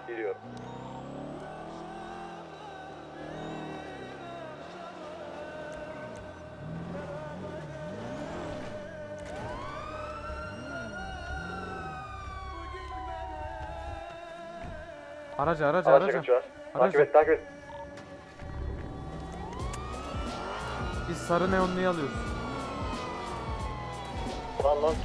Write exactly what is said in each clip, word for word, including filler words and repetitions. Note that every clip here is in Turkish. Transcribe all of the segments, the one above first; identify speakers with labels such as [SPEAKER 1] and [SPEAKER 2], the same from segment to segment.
[SPEAKER 1] Giriyorum.
[SPEAKER 2] Araca araca
[SPEAKER 1] Araçla
[SPEAKER 2] araca.
[SPEAKER 1] kaçıyor.
[SPEAKER 2] Araca.
[SPEAKER 1] Takip et, takip et.
[SPEAKER 2] Biz sarı neonluyu alıyoruz.
[SPEAKER 1] Lan lan.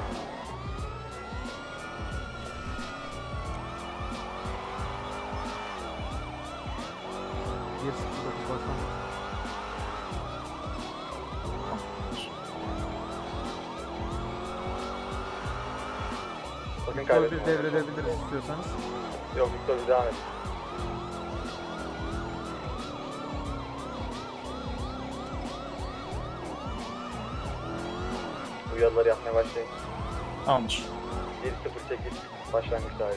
[SPEAKER 2] bir sıfır dokuz başlamış.
[SPEAKER 1] Bakın
[SPEAKER 2] Victor
[SPEAKER 1] kaybettim.
[SPEAKER 2] bir devredebiliriz istiyorsanız.
[SPEAKER 1] Yok, Victor bir devam et. Uyarıları yapmaya başlayın.
[SPEAKER 3] Tamamdır.
[SPEAKER 1] yedi sıfır sekiz başlangıç tarihi.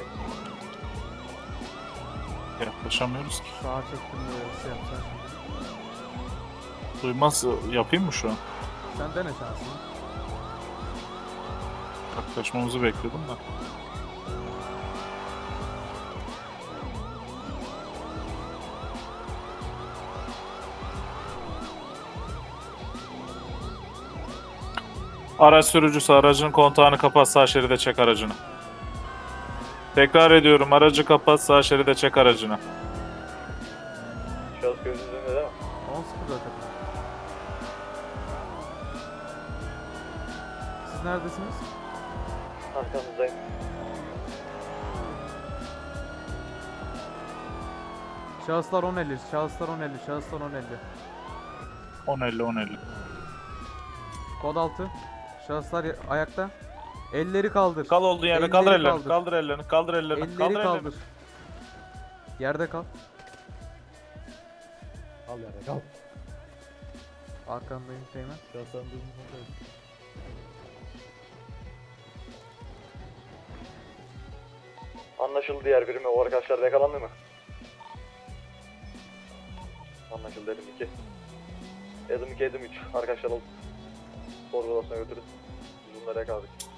[SPEAKER 3] Yaklaşamıyoruz ki.
[SPEAKER 2] Sağa çektim de şey yapacağız şimdi.
[SPEAKER 3] Duymaz yapayım mı şu an?
[SPEAKER 2] Sen dene şansını.
[SPEAKER 3] Yaklaşmamızı bekliyordum da. Araç sürücüsü aracın kontağını kapat, sağ şeride çek aracını. Tekrar ediyorum, aracı kapat, sağ şeride çek aracını.
[SPEAKER 1] Şahıs göz yüzünde değil mi?
[SPEAKER 2] on sıfır zaten. Siz neredesiniz?
[SPEAKER 1] Arkanızdayım.
[SPEAKER 2] Şahıslar on elli, şahıslar on elli, şahıslar on elli.
[SPEAKER 3] on elli on elli.
[SPEAKER 2] Kod altı. Şahıslar ya- ayakta. Elleri kaldır.
[SPEAKER 3] Kal olduğun yerde,
[SPEAKER 2] Elleri
[SPEAKER 3] kaldır ellerini,
[SPEAKER 2] kaldır.
[SPEAKER 3] kaldır ellerini, kaldır ellerini,
[SPEAKER 2] Elleri
[SPEAKER 3] kaldır ellerini.
[SPEAKER 2] kaldır. Yerde kal.
[SPEAKER 4] Al yere kal.
[SPEAKER 2] Arkandayım Teğmen.
[SPEAKER 4] Şahsen durumu kontrol et.
[SPEAKER 1] Anlaşıldı diğer birimi. O arkadaşlar da yakalandı mı? Anlaşıldı Edim iki. Edim iki, Edim üç. Arkadaşlar alıp sorgulasına götürün. Biz bunları yakaladık.